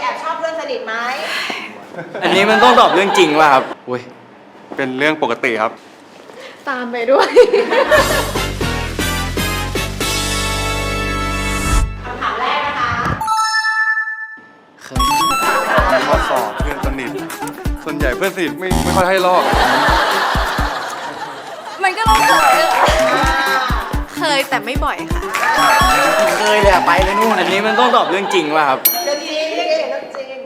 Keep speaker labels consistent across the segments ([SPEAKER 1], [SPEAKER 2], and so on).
[SPEAKER 1] อบชอบเพื่อนสนิทไหม
[SPEAKER 2] อันนี้มันต้องตอบเรื่องจริงว่ะครับอุ้ย
[SPEAKER 3] เป็นเรื่องปกติครับ
[SPEAKER 4] ตามไปด้วย
[SPEAKER 1] คำถามแรกนะคะ
[SPEAKER 2] เคย
[SPEAKER 3] ข้อสอบเพื่อนสนิท ส่วนใหญ่เพื่อนสนิทไม่ค่อยให้ลอก
[SPEAKER 4] มันก็ต้องเคยเคยแต่ไม่บ่อยค่ะ
[SPEAKER 2] เคยเลยอะไปเลยนู่นอันนี้มันต้องตอบเรื่องจริงว่ะครับ
[SPEAKER 1] เรื่องจริงเรื่องจริง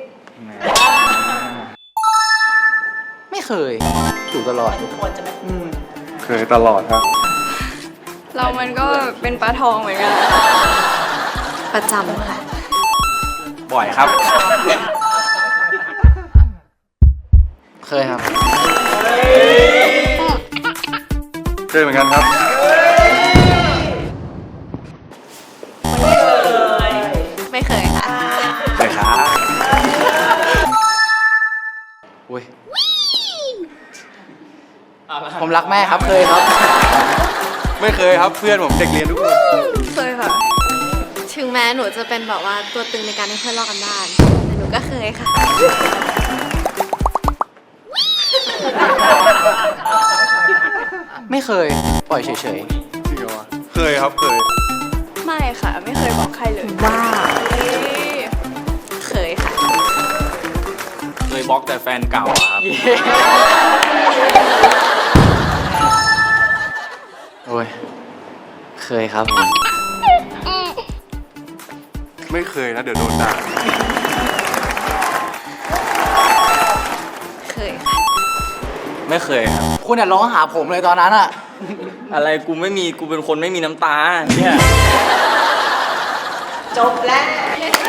[SPEAKER 2] ไม่เคยถูกตลอด
[SPEAKER 1] ทุกคนจะไม่
[SPEAKER 3] เคยตลอดครับ
[SPEAKER 4] เรามันก็เป็นปลาทองเหมือนกัน ประจำค่ะ
[SPEAKER 2] บ่อยครับ เคยครับ
[SPEAKER 3] เคยเหมือนกันครับ
[SPEAKER 4] ไม่เคยค่ะ
[SPEAKER 2] เคยครับอุ้ยผมรักแม่ครับเคยครับ
[SPEAKER 3] ไม่เคยครับเพื่อนผมเด็กเรียนทุกคน
[SPEAKER 4] เคยค่ะ ถึงแม้หนูจะเป็นแบบว่าตัวตึงในการให้เพื่อนลอกกันบ้านแต่หนูก็เคยค่ะ
[SPEAKER 2] ไม่เคย ปล่อยเฉย
[SPEAKER 3] จริงเหรอวะเคยครับเคย
[SPEAKER 4] ไม่ค่ะ ไม่เคยบอกใครเลยว้าเคยค่ะ
[SPEAKER 2] ๆ เคยบล็อกแต่แฟนเก่าครับ โอ้ย เคยครับผม
[SPEAKER 3] ไม่เคยนะเดี๋ยวโดนด่า
[SPEAKER 4] เคยค่ะ
[SPEAKER 2] ไม่เคยครับ
[SPEAKER 5] คุณอย่าร้องหาผมเลยตอนนั้นอะ
[SPEAKER 2] อะไรกูไม่มีกูเป็นคนไม่มีน้ำตาเนี่ย
[SPEAKER 1] จบแล้ว